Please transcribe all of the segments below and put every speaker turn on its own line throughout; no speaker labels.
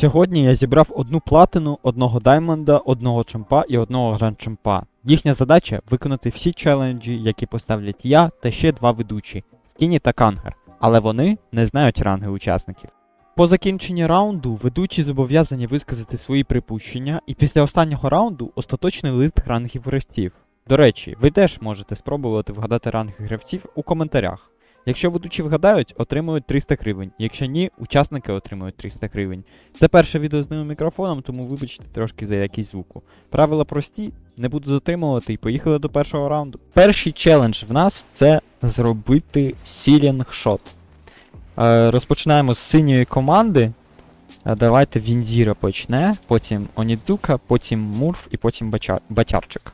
Сьогодні я зібрав одну платину, одного даймонда, одного чемпа і одного гранд чемпа. Їхня задача виконати всі челенджі, які поставлять я та ще два ведучі Скіні та Кангер. Але вони не знають ранги учасників. По закінченні раунду ведучі зобов'язані висказати свої припущення, і після останнього раунду остаточний лист рангів гравців. До речі, ви теж можете спробувати вгадати ранги гравців у коментарях. Якщо ведучі вгадають, отримують 300 гривень, якщо ні, учасники отримують 300 гривень. Це перше відео з новим мікрофоном, тому вибачте трошки за якість звуку. Правила прості, не буду затримувати і поїхали до першого раунду. Перший челендж в нас це зробити сілінг шот. Розпочинаємо з синьої команди. Давайте Віндіра почне, потім Онідзука, потім Мурф і потім Батярчик.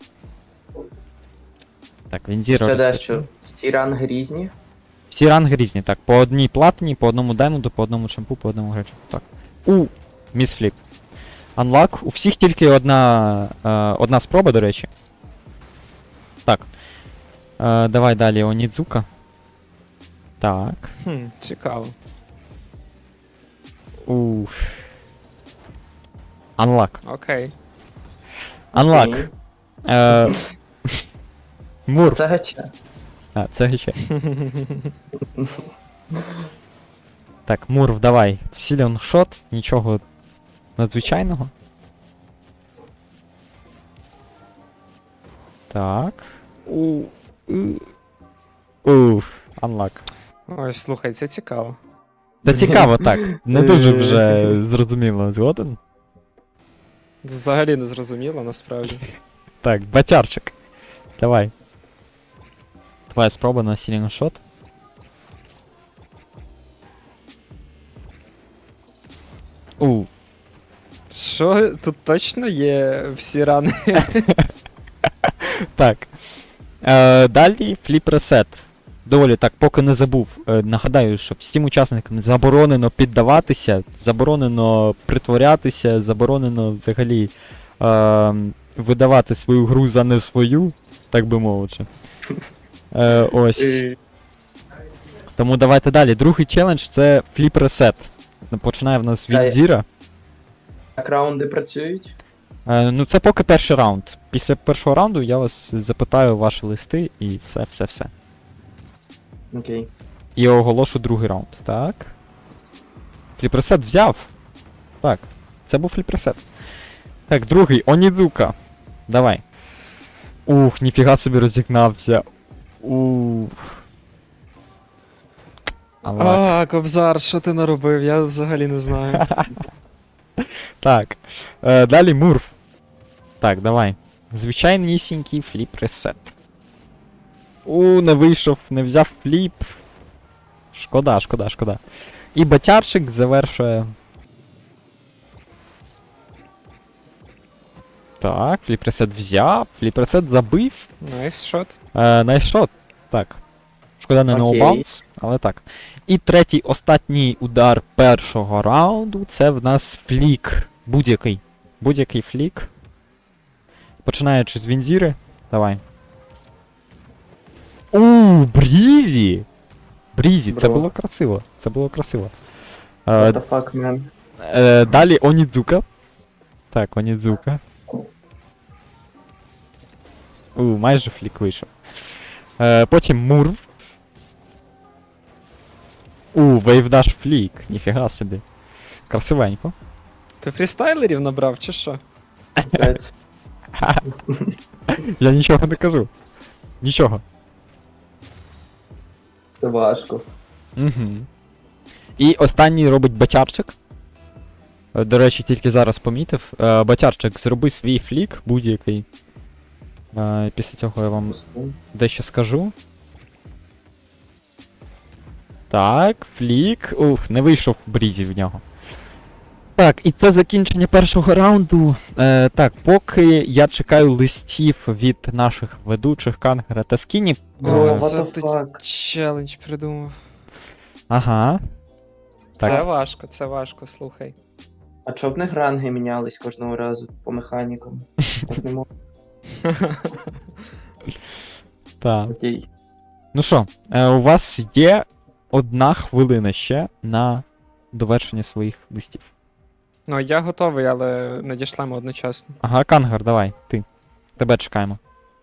Так, Віндіра.
Ще дещо. Всі ранги різні.
Всі ранги різні, так. По одній платині, по одному даймонду, по одному шампу, по одному гречку. Так. Місфліп. Unlock. У всіх тільки одна спроба, до речі. Так. Давай далі Онідзука. Так.
Цікаво.
Unlock.
Окей.
Unlock. Мурф.
Це гача.
Це гече. Так, Мурф, давай. Сілінг шот, нічого надзвичайного. Так. Unlock.
Ой, слухай, це цікаво.
Це цікаво, так. Не дуже вже зрозуміло, згоден.
Взагалі не зрозуміло, насправді.
Так, Батярчик. Давай. Твоя спроба на сілінг шот.
Що, тут точно є всі рани?
Так. Далі фліп ресет. Доволі так, поки не забув. Нагадаю, що всім учасникам заборонено піддаватися, заборонено притворятися, заборонено взагалі видавати свою гру за не свою, так би мовити. Ось. Тому давайте далі. Другий челендж це фліп ресет. Починає в нас від Зіра.
Як раунди працюють?
Ну це поки перший раунд. Після першого раунду я вас запитаю ваші листи і все.
Окей.
І оголошу другий раунд. Так. Фліп-ресет взяв. Так. Це був фліп-ресет. Так, другий. Онідзука. Давай. Ніфіга собі розігнався.
Кобзар, що ти наробив? Я взагалі не знаю.
Так. Далі Мурф. Так, давай. Звичайнісінький фліп-ресет. Не вийшов, не взяв фліп. Шкода. І Батярчик завершує. Так, фліп-ресет взяв, фліп-ресет забив.
Найс шот.
Найшот. Так. Шкода не ноубаунс, але так. І третій, останній удар першого раунду, це в нас флік. Будь-який флік. Починаючи з Віндіри. Давай. Брізі! Брізі, це було красиво.
What the fuck, man?
Далі Онідзука. Так, Онідзука. Майже флік вийшов. Потім Мурв. Вейвдаш флік. Ніфіга собі. Красивенько.
Ти фрістайлерів набрав, чи що?
Я нічого не кажу. Нічого.
Це важко.
І останній робить Батярчик. До речі, тільки зараз помітив. Батярчик, зроби свій флік, будь-який. Після цього я вам дещо скажу. Так, флік. Не вийшов Брізі в нього. Так, і це закінчення першого раунду. Так, поки я чекаю листів від наших ведучих Кангера та Скіні.
Це ти челендж придумав.
Ага.
Так. Це важко, слухай.
А чоб в них ранги мінялись кожного разу по механікам? Так не можу.
Так.
Окей.
Ну що, у вас є 1 хвилина ще на довершення своїх листів.
Ну, я готовий, але надішлемо одночасно.
Ага, Кангар, давай, ти. Тебе чекаємо.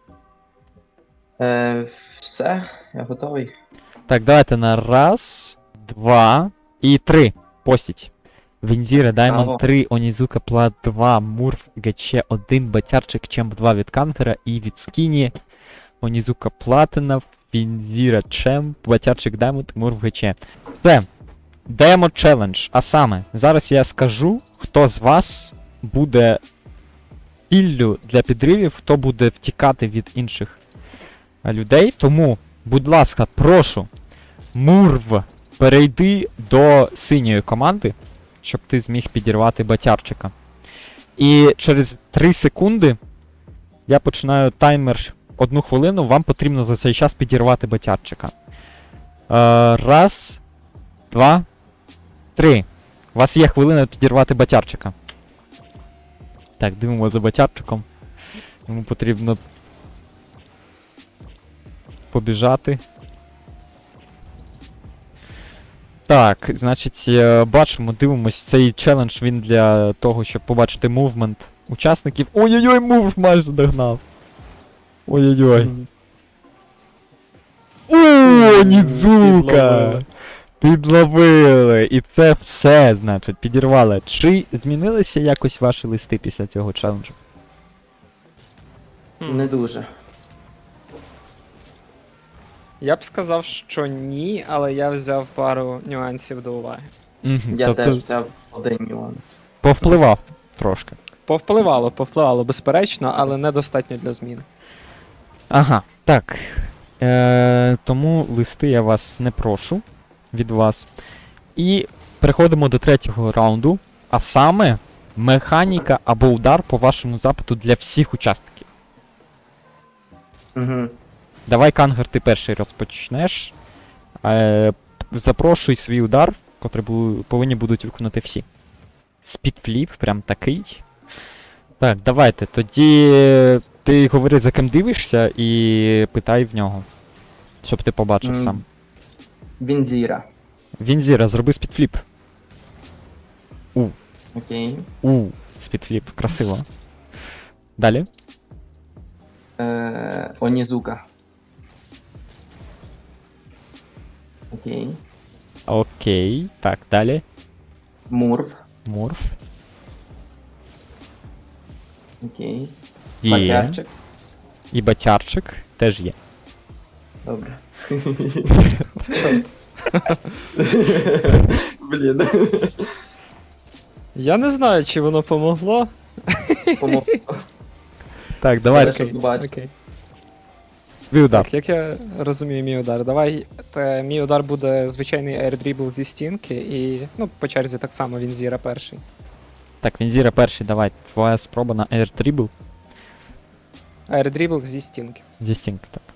Все, я готовий.
Так, давайте на раз, два і три. Постіть. Вінзіра,
Цікаво.
Даймонд 3, Онізука, Плат 2, Мурф, ГЧ 1, Батярчик, Чемп 2 від Кангера і від Скіні. Онізука Платина, Вінзіра, Чемп, Батярчик, Даймонд, Мурф, ГЧ. Це Демо челендж. А саме, зараз я скажу, хто з вас буде ціллю для підривів, хто буде втікати від інших людей. Тому, будь ласка, прошу, Мурв, перейди до синьої команди, щоб ти зміг підірвати Батярчика. І через 3 секунди я починаю таймер 1 хвилину, вам потрібно за цей час підірвати Батярчика. Раз, два, три. У вас є хвилина підірвати Батярчика. Так, дивимо за Батярчиком. Йому потрібно побіжати. Так, значить, бачимо, дивимось, цей челендж він для того, щоб побачити мувмент учасників. Ой-ой-ой, мув майже догнав. Ой-ой-ой. О, Нідзука! Підловили! І це все, значить, підірвали. Чи змінилися якось ваші листи після цього челенджу?
Не дуже.
Я б сказав, що ні, але я взяв пару нюансів до уваги.
Угу,
Я теж взяв один нюанс.
повпливав трошки.
Повпливало, безперечно, але недостатньо для змін.
Ага, так. Тому листи я вас не прошу від вас. І переходимо до третього раунду, а саме механіка або удар по вашому запиту для всіх учасників.
Угу.
Давай, Кангар, ти перший розпочнеш. Запрошуй свій удар, котрий повинні будуть виконати всі. Спідфліп, прям такий. Так, давайте, тоді ти говори, за ким дивишся, і питай в нього. Щоб ти побачив сам.
Вінзіра.
Вінзіра, зроби спідфліп.
Окей.
Спідфліп, красиво. Далі.
Онізука. Окей.
Окей. Так, далі.
Мурв.
Мурф.
Окей.
Є.
Батярчик.
І Батярчик теж є.
Добре.
Чорт.
Блін.
Я не знаю, чи воно помогло.
Помогло.
Так, давай,
Але щоб бачити.
Окей.
твій удар.
Так, як я розумію мій удар? Давай, мій удар буде звичайний аірдрібл зі стінки і, ну, по черзі так само Вінзіра перший.
Так, Вінзіра перший, давай. Твоя спроба на Air Dribble.
Аірдрібл зі стінки.
Зі стінки, так.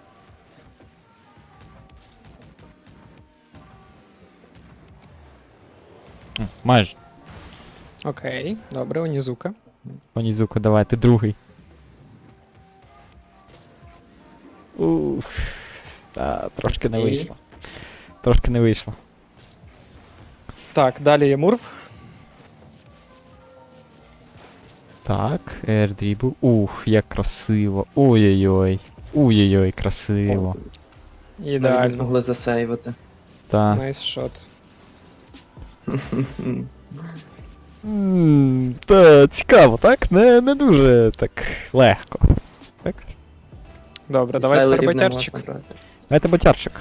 Майже.
Окей, добре, Онізука.
Онізука, давай, ти другий. Ух. Трошки не
І?
вийшло. Трошки не вийшло.
Так, далі є Мурв.
Так, Air Dribble. Ух, як красиво. Ой-ой-ой. Ой-ой-ой, красиво.
Навіть не
Ідеально.
змогли засейвити.
Так.
Найс шот.
Та цікаво, так? Не дуже так легко. Так?
Добре, давай тепер Батярчик.
Давайте Батярчик.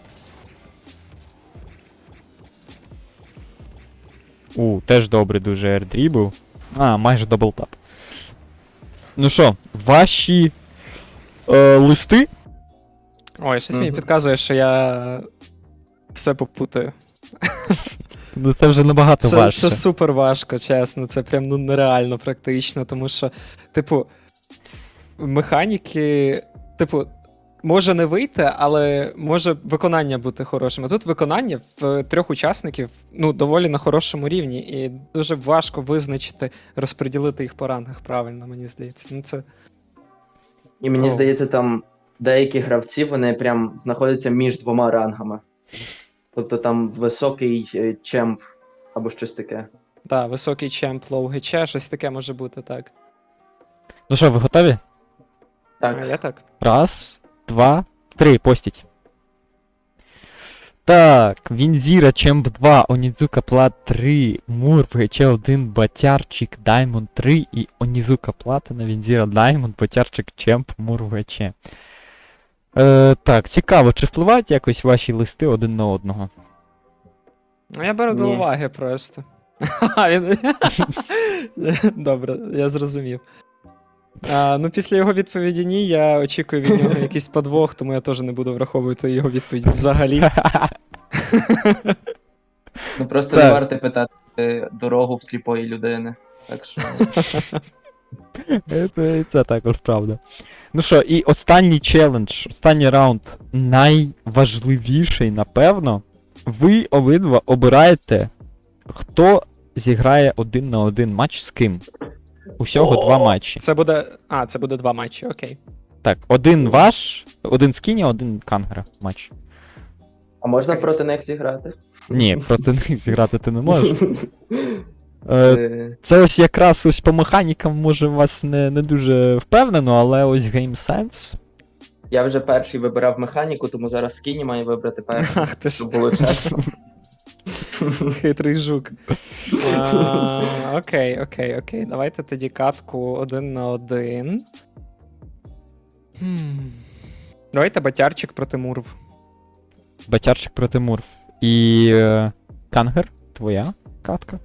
Теж добре дуже аірдрібл. Майже даблтап. Ну що, ваші листи?
Ой, щось мені
Мгм.
підказує, що я все попутаю.
Ну це вже набагато важче.
Це супер важко, чесно. Це прям ну нереально практично, тому що, типу, механіки, типу, може не вийти, але може виконання бути хорошим. А тут виконання в 3 учасників ну, доволі на хорошому рівні, і дуже важко визначити, розподілити їх по рангах правильно, мені здається. Ну це.
І мені
О.
здається, там деякі гравці, вони прям знаходяться між 2 рангами. Тобто там високий чемп або щось таке.
Так, високий чемп, лоу ГЧ, щось таке може бути, так.
Ну що, ви готові?
А
Так.
я так?
Раз, два, три, постіть. Так, Вінзіра, Чемп 2, Онідзука Плат 3, Мур, ВГЧ-1, Батярчик, Даймонд 3 і Онізука Платина, Вінзіра, Даймонд, Батярчик, Чемп, Мур, ВГЧ. Так, цікаво, чи впливають якось ваші листи один на одного?
Ну, я беру до
Ні.
уваги просто. Він... Добре, я зрозумів. Ну, після його відповіді ні, я очікую від нього якийсь подвох, тому я теж не буду враховувати його відповідь взагалі.
Ну просто
Так.
не варто питати дорогу в сліпої людини. Так що.
Це також правда. Ну що, і останній челендж, останній раунд, найважливіший, напевно. Ви обидва обираєте, хто зіграє 1 на 1 матч з ким. Усього 2 матчі.
Це буде. Це буде 2 матчі, окей.
Так, один ваш, один Скіні, один Кангера матч.
А можна
Окей.
проти них зіграти?
Ні, проти них зіграти ти не можеш.
Е,
Це ось якраз ось по механікам може вас не дуже впевнено, але ось Game Sense.
Я вже перший вибирав механіку, тому зараз Скіні має вибрати перший,
Ах ти ж,
щоб було чесно.
хитрий жук. Окей. Давайте тоді катку 1 на 1. Давайте батярчик проти Мурв.
Батярчик проти Мурв. І Кангер, твоя катка.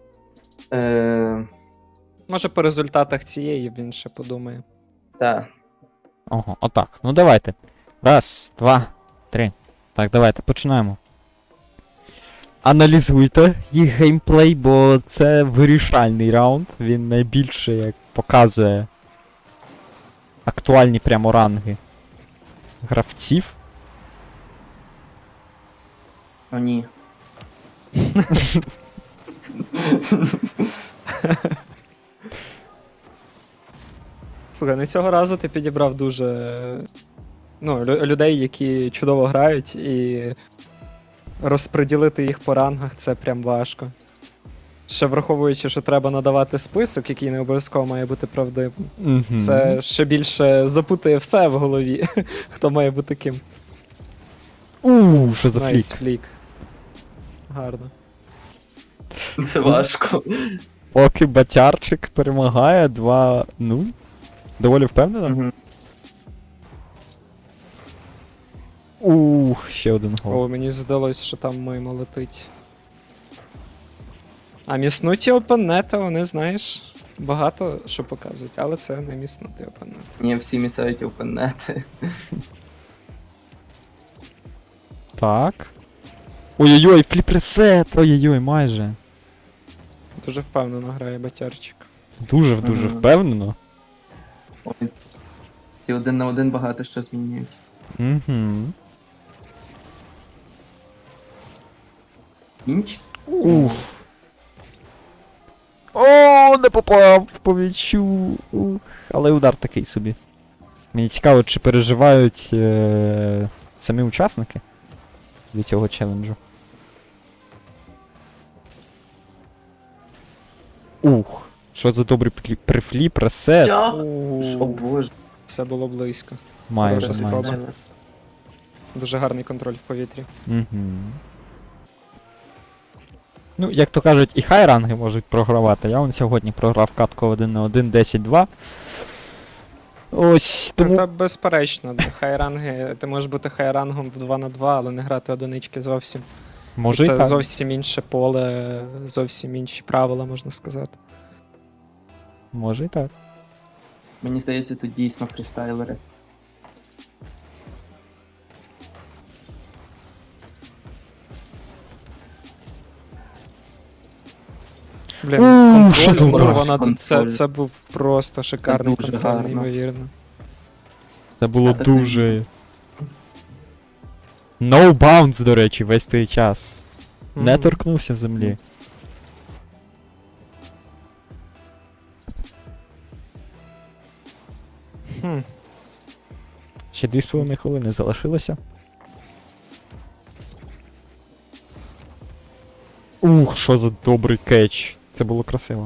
Може по результатах цієї він ще подумає.
Так.
Ого, отак. Ну давайте. Раз, два, три. Так, давайте, починаємо. Аналізуйте їх геймплей, бо це вирішальний раунд. Він найбільше як показує актуальні прямо ранги гравців.
О, ні.
Слухай, ну цього разу ти підібрав дуже. Ну, людей, які чудово грають, і розподілити їх по рангах це прям важко. Ще враховуючи, що треба надавати список, який не обов'язково має бути правдивим.
Мгм.
Це ще більше запутає все в голові, хто має бути ким.
Що за флік?
Найс флік. Гарно.
Це важко.
Поки Батярчик перемагає 2-0. Доволі впевнено.
Мгм.
Ще один гол.
О, мені здалось, що там мимо летить. А міснуті опонента, вони, знаєш, багато що показують, але це не міснуті опонент.
Ні, всі місають опенети.
Так. Ой-ой-ой, фліп-ресет! Ой-ой-ой, майже.
Дуже впевнено грає батярчик.
Дуже
Мгм.
впевнено.
Ой, ці 1 на 1 багато що змінюють.
Угу.
Інч?
Ух. О, не попав по м'ячу. Ух. Але удар такий собі. Мені цікаво, чи переживають самі учасники від цього челенджу. Ух. Що за добрий прифліп, ресет.
О боже.
Це було близько.
Майже,
Хороша
майже.
спроба. Дуже гарний контроль в повітрі.
Угу. Ну, як то кажуть, і хай ранги можуть програвати. Я вон сьогодні програв катку 1 на 1, 10-2. Ось, тому...
Та безперечно, хайранги, ти можеш бути хайрангом в 2 на 2, але не грати одинички зовсім.
Може і
Це
так.
зовсім інше поле, зовсім інші правила, можна сказати.
Може і так.
Мені здається, тут дійсно фрістайлери.
Блін,
що
контроль,
добре.
вона тут,
Контроль.
це був просто шикарний
дуже
контроль,
гарно.
неймовірно.
Це було
А так не
дуже... No bounce, до речі, весь той час. Не
Мгм.
торкнувся землі.
Хм.
Ще 2,5 хвилини залишилося. Ух, що за добрий кетч. Це було красиво.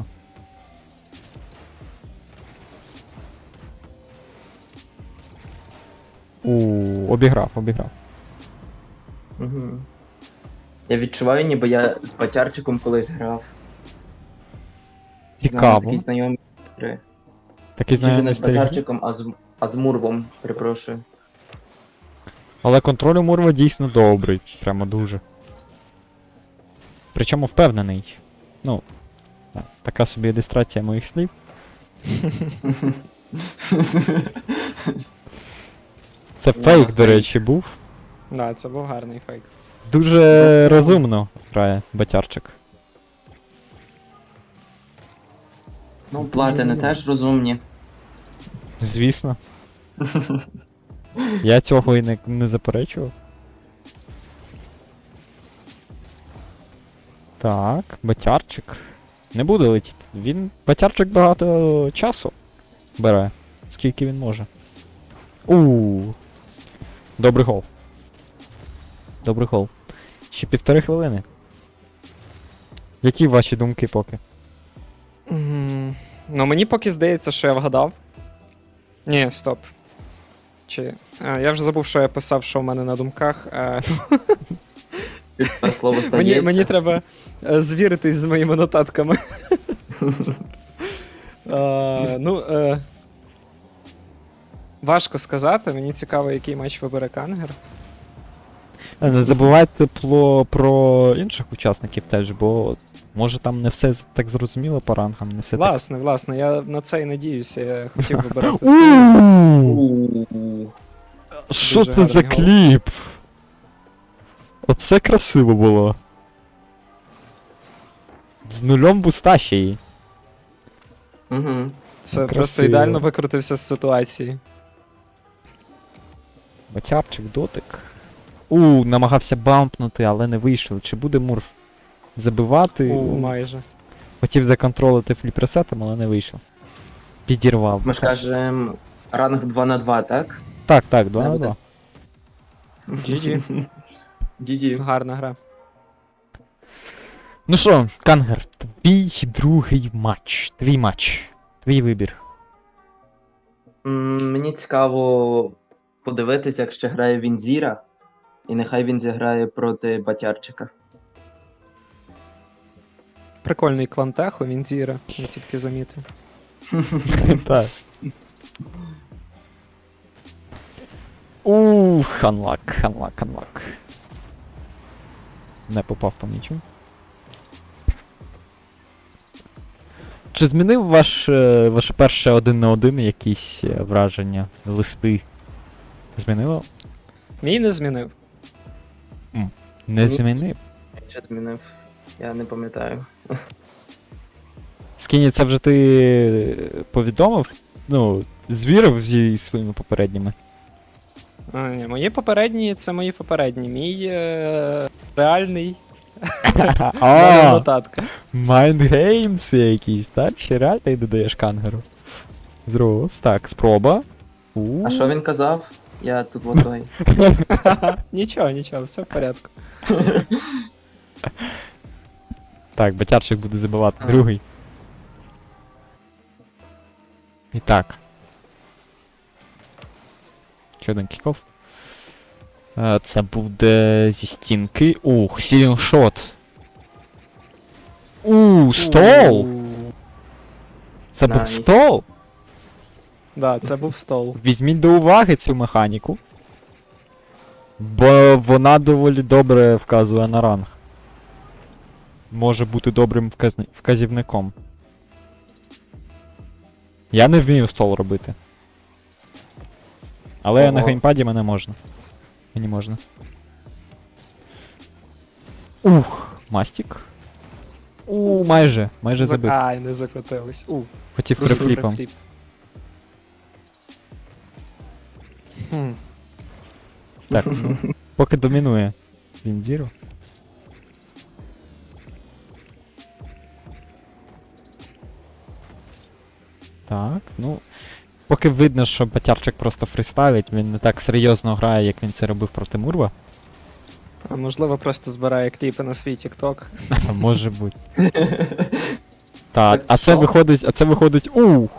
Обіграв.
Угу. Я відчуваю, ніби я з Батярчиком колись грав. Знаю,
Цікаво.
такі знайомі гри.
Такий
Чи вже не
знайомий
з
стиль.
Батярчиком, а з Мурвом, перепрошую.
Але контроль у Мурва дійсно добрий. Прямо дуже. Причому впевнений. Ну, така собі ілюстрація моїх слів. Це фейк, до
фейк.
речі, був.
Да, це був гарний фейк.
Дуже розумно грає Батярчик.
Ну, платини теж розумні.
Звісно. Я цього і не заперечував. Так, Батярчик. Не буде летіти. Батярчик багато часу бере. Скільки він може. Добрий гол. Добрий гол. Ще 1,5 хвилини. Які ваші думки поки?
Ну, мені поки здається, що я вгадав. Ні, стоп. Я вже забув, що я писав, що в мене на думках.
Тепер слово стається.
Мені треба звіритись з моїми нотатками. Важко сказати, мені цікаво, який матч вибере Кангер.
Не забувайте про інших учасників теж, бо може там не все так зрозуміло по рангам, не все
Власне, я на це і надіюся, я хотів вибирати.
так. Що
Дуже
це за
гарний гол.
кліп? Оце красиво було. З нульом буста ще й.
Угу.
Це
Красиво.
просто ідеально викрутився з ситуації.
Батярчик, дотик. Намагався бампнути, але не вийшло. Чи буде Мурф забивати?
Майже.
Хотів законтролити фліп-ресетом, але не вийшло. Підірвав.
Ми ж кажемо ранг 2 на 2, так?
Так, 2 на
Не
2.
GG.
GG.
Гарна гра.
Ну що, Кангер, твій другий матч. Твій матч. Твій вибір.
Мені цікаво подивитися, як ще грає Вінзіра, і нехай він зіграє проти Батярчика.
Прикольний клан Техо, Вінзіра, я тільки замітив.
Так. Ханлак. Не попав по м'ячу. Чи змінив ваше перше 1 на 1 якісь враження, листи? Змінило?
Мій не змінив.
Не
Ні.
змінив.
Що змінив? Я не пам'ятаю.
Скіні, це вже ти повідомив? Ну, звірив зі своїми попередніми.
Ні, мої попередні це мої попередні. Мій реальний нотатка.
Майндгеймс якісь, так? Ще реально ти додаєш Кангеру. Зрос. Так, спроба.
А що він казав? Я тут вот той.
Нічого, все в порядку.
Так, Батярчик буде забивати
Ага.
другий. І так. Ще один кіков. Це буде зі стінки. Сіліншот. Стол! Це був
Найс.
стол?
Да, це був стол.
Візьміть до уваги цю механіку. Бо вона доволі добре вказує на ранг. Може бути добрим вказівником. Я не вмію стол робити. Але на
Ого.
геймпаді мене можна. Мені можна. Мастік. Майже забив.
Ай, не закотились.
Хотів прифліпом.
Фліп. Хм.
Так, поки домінує Віндіру. Так, ну. Поки видно, що Батярчик просто фристайлить, він не так серйозно грає, як він це робив проти Мурва.
А можливо, просто збирає кліпи на свій TikTok.
Може бути. Так,
Так що?
а це виходить.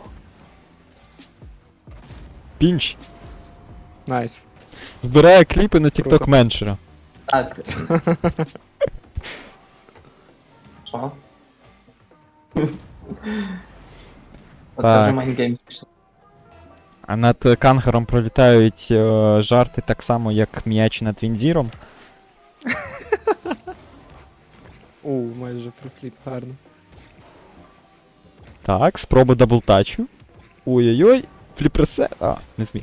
Пінч.
Найс.
Збирає кліпи на
Круто.
TikTok меншера.
Так. Що? Оце
Так.
вже майнгейм пішло.
А над Кангером пролітають жарти так само, як м'яч над Вінзіром.
Майже профліп, гарно.
Так, спроба даблтачу. Ой-ой-ой, фліпресе. Не зміг.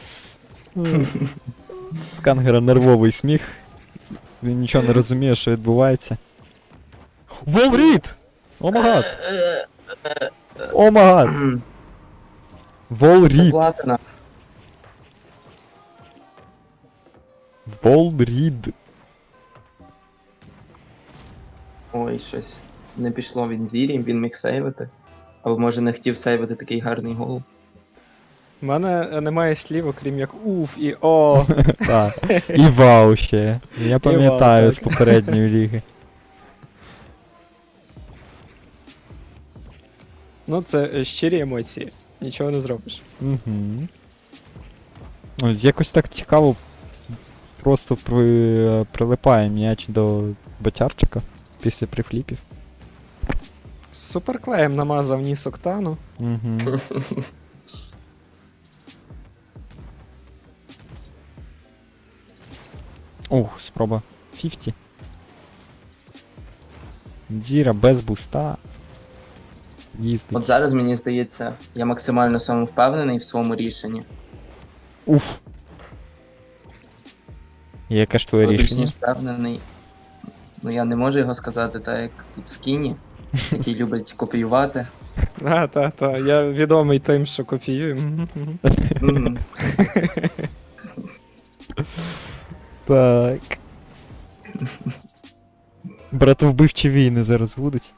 Кангера нервовий сміх. Він нічого не розуміє, що відбувається. Волрід! Омагад! Омагад!
Це
Волрід!
платина.
Волрід!
Ой, щось. Не пішло в Інзірі, він міг сейвити. Або може не хотів сейвити такий гарний гол.
У мене немає слів, окрім як уф і о.
Так. І вау ще. Я пам'ятаю
вау,
з
так.
попередньої ліги.
Ну, це щирі емоції. Нічого не зробиш.
Угу. Ось якось так цікаво. Просто прилипає м'яч до ботярчика після прифліпів.
Суперклеєм намазав ніс Октану.
Угу. Спроба 50. Дзіра без буста. Їздить.
От зараз мені здається, я максимально самовпевнений в своєму рішенні.
Уф. Яке ж твоє
Але більш
рішення?
ніж впевнений. Ну я не можу його сказати так, як тут Скіні, який любить копіювати.
Та. Я відомий тим, що копіюю.
Мгм.
Так. Братовбивчі війни зараз будуть.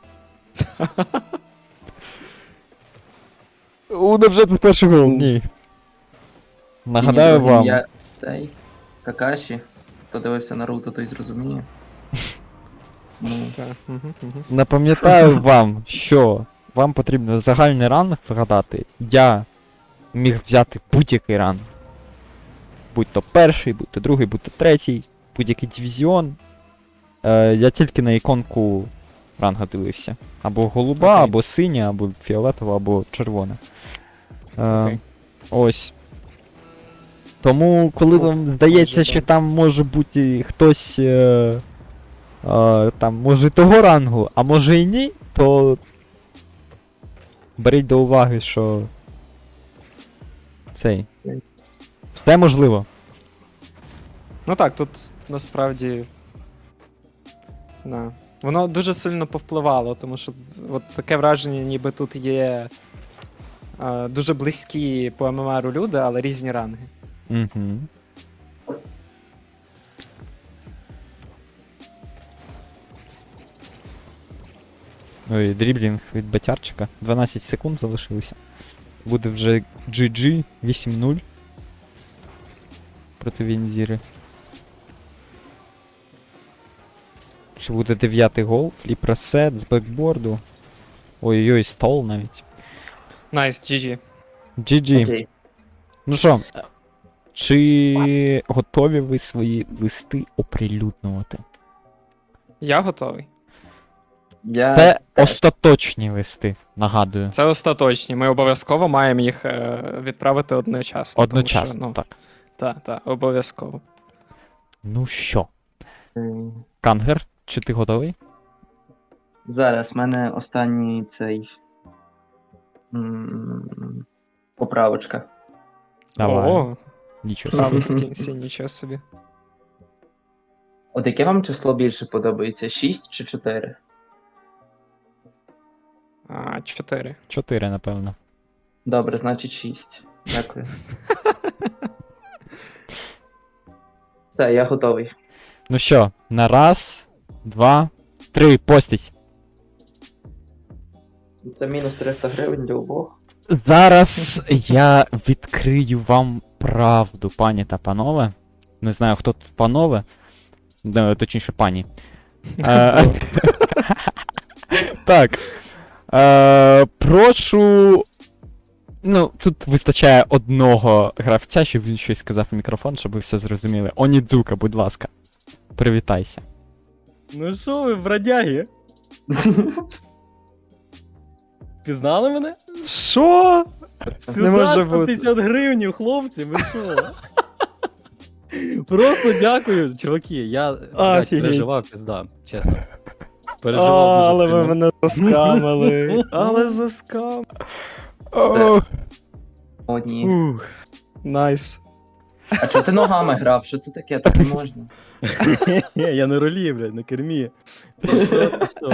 Невже це перший гол? Ні. Нагадаю
Скіні, другий
вам.
Я цей Какаші. Хто дивився Наруто, той зрозуміє. Ну,
Напам'ятаю вам, що вам потрібно загальний ранг вгадати. Я міг взяти будь-який ранг. Будь то перший, будь то другий, будь то третій, будь-який дивізіон. Я тільки на іконку ранга дивився. Або голуба,
Окей.
або синя, або фіолетова, або червона.
Окей.
Ось. Тому, коли вам здається,
майже
що
так.
там може бути хтось там, може, того рангу, а може і ні, то беріть до уваги, що цей. Все можливо.
Ну так, тут насправді. Да. Воно дуже сильно повпливало, тому що от таке враження, ніби тут є дуже близькі по ММРу люди, але різні ранги.
Угу. Ой, дріблінг від батярчика. 12 секунд залишилося. Буде вже GG 8-0 проти Вінзіри. Чи буде 9-й гол? Фліп-ресет з бекборду. Ой-ой-ой, стол навіть.
Найс, GG.
GG.
окей.
Ну що, чи готові ви свої листи оприлюднювати?
Я готовий.
Я
Це
теж.
остаточні листи, нагадую.
Це остаточні. Ми обов'язково маємо їх відправити одночасно.
Одночасно,
тому що,
так.
Так, обов'язково.
Ну що,
е,
Кангер, чи ти готовий?
Зараз в мене останній цей. Поправочка.
Давай.
О,
Нічого
правда,
собі.
в кінці, нічого собі.
От яке вам число більше подобається? 6 чи 4?
4.
4, напевно.
Добре, значить 6. Дякую. Все, я готовий.
Ну що, на раз, два, три, постіть.
Це мінус 300 гривень для обох.
Зараз я відкрию вам правду, пані та панове. Не знаю, хто тут панове. Точніше, пані. Так. Прошу. Ну, тут вистачає одного гравця, щоб він щось сказав в мікрофон, щоб ви все зрозуміли. Онідзука, будь ласка. Привітайся.
Ну що ви, бродяги? Пізнали мене?
Що?
Сюди
Не може бути.
150 гривень, хлопці, ви що? Просто дякую, чуваки. Я блядь,
Офігеть.
переживав, пізда, чесно. Переживав дуже
Але ви
сильно.
мене заскамили. Але заскам.
О,
О, ні.
Ух. Найс.
А чого ти ногами грав? Що це таке? Так не можна.
Я на рулі, блядь, на кермі. Ти що, ти що?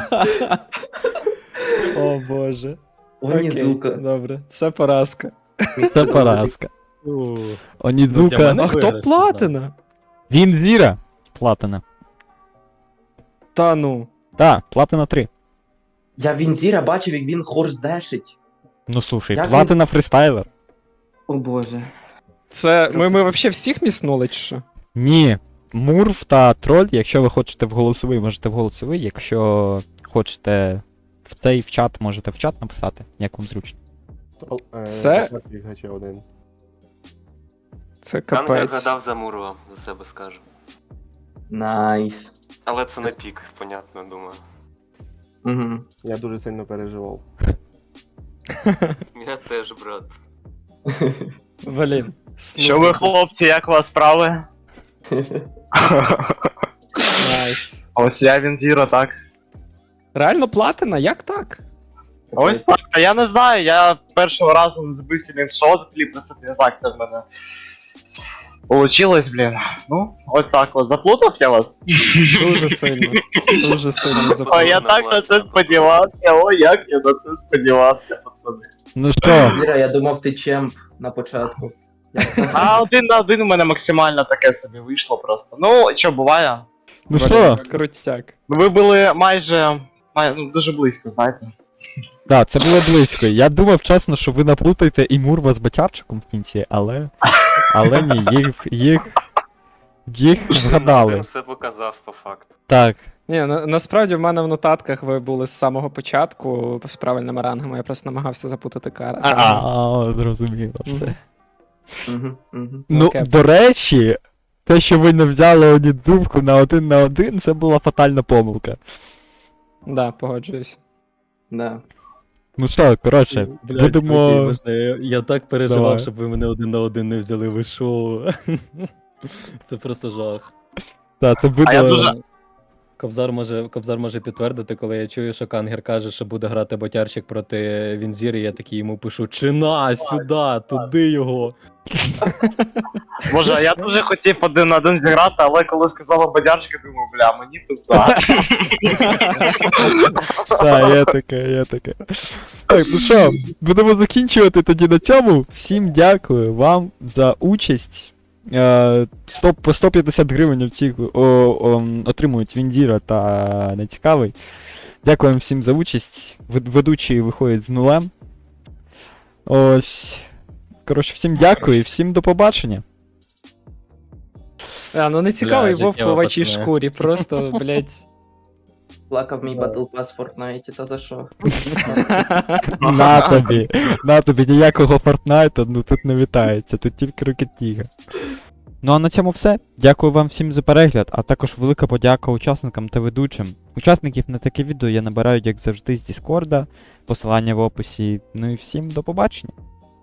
О боже.
Онідзука.
Окей, добре, це поразка.
це поразка.
Ух. Ну, для
Онідзука.
мене-
А хто
виграш,
платина?
Він Зіра. Платина.
Та ну.
Так, платина 3.
Я Вінзіра бачив, як він хорсдешить.
Ну слушай,
Як
платина фристайлер.
О боже.
Це. Ми взагалі всіх міснули чи що?
Ні. Мурв та троль, якщо ви хочете в голосовий, можете в голосовий, якщо хочете в цей в чат, можете в чат написати, як вам зручно.
Це-
Гача один.
Це
Кангер
капець.
гадав за Мурова, за себе скажу.
Найс.
Але це не пік, понятно, думаю.
Угу.
Я дуже сильно переживав.
Я теж, брат.
Блін.
Що ви, хлопці, як у вас справи?
Найс.
Ось я Вінзіро, так.
Реально платина? Як так?
Ось так. А я не знаю, я першого разу не забився він шот, кліп на собі, так це в мене. Получилось, блін. Ну, ось так от. Заплутав я вас?
Дуже сильно. Дуже сильно
О, я
заплатив.
так на це сподівався, о, як я на це сподівався, пацани.
Ну що,
Зіра, я думав, ти чемп на початку. Як так?
А 1 на 1 у мене максимально таке собі вийшло просто. Ну, що, буває?
ну що?
Крутяк.
Ну, ви були майже ну, дуже близько, знаєте.
Так, це було близько. Я думав чесно, що ви наплутаєте і Мурва з Батярчиком в кінці, але. Але ні, їх вгадали.
Він все показав по факту.
Так.
Ні, насправді в мене в нотатках ви були з самого початку з правильними рангами, я просто намагався запутати кара.
А, зрозуміло все.
Угу, угу.
Ну,
Окей.
до речі, те, що ви не взяли Онідзуку на 1 на 1, це була фатальна помилка.
Да, погоджуюсь.
Да.
Ну що, коротше,
Блядь,
будемо.
чуваки, вибачте, я так переживав,
Давай.
щоб ви мене 1 на 1 не взяли, ви шо? Це просто жах.
Так, це буде.
А я дуже-
Кобзар може підтвердити, коли я чую, що Кангер каже, що буде грати ботярчик проти Вінзіри, я такий йому пишу: чина, сюди, туди його.
Боже, а я дуже хотів 1 на 1 зіграти, але коли сказала бадярчика, думаю, бля, мені пизда.
Так, є таке, є таке. Так, ну що, будемо закінчувати тоді на цьому. Всім дякую вам за участь. По 150 гривень в цих отримують Віндіра та Нецікавий. Дякуємо всім за участь. Ведучий виходить з нулем. Ось. Коротше, всім дякую і всім до побачення.
Ну не цікавий
Бля,
вовк
життєво,
в овечій
пацани.
шкурі, просто, блять.
Плакав мій Battle Pass в Fortnite, та за що?
На тобі, ніякого Фортнайта, ну тут не вітається, тут тільки Rocket League. Ну а на цьому все. Дякую вам всім за перегляд, а також велика подяка учасникам та ведучим. Учасників на таке відео я набираю, як завжди, з Діскорда, посилання в описі. Ну і всім до побачення.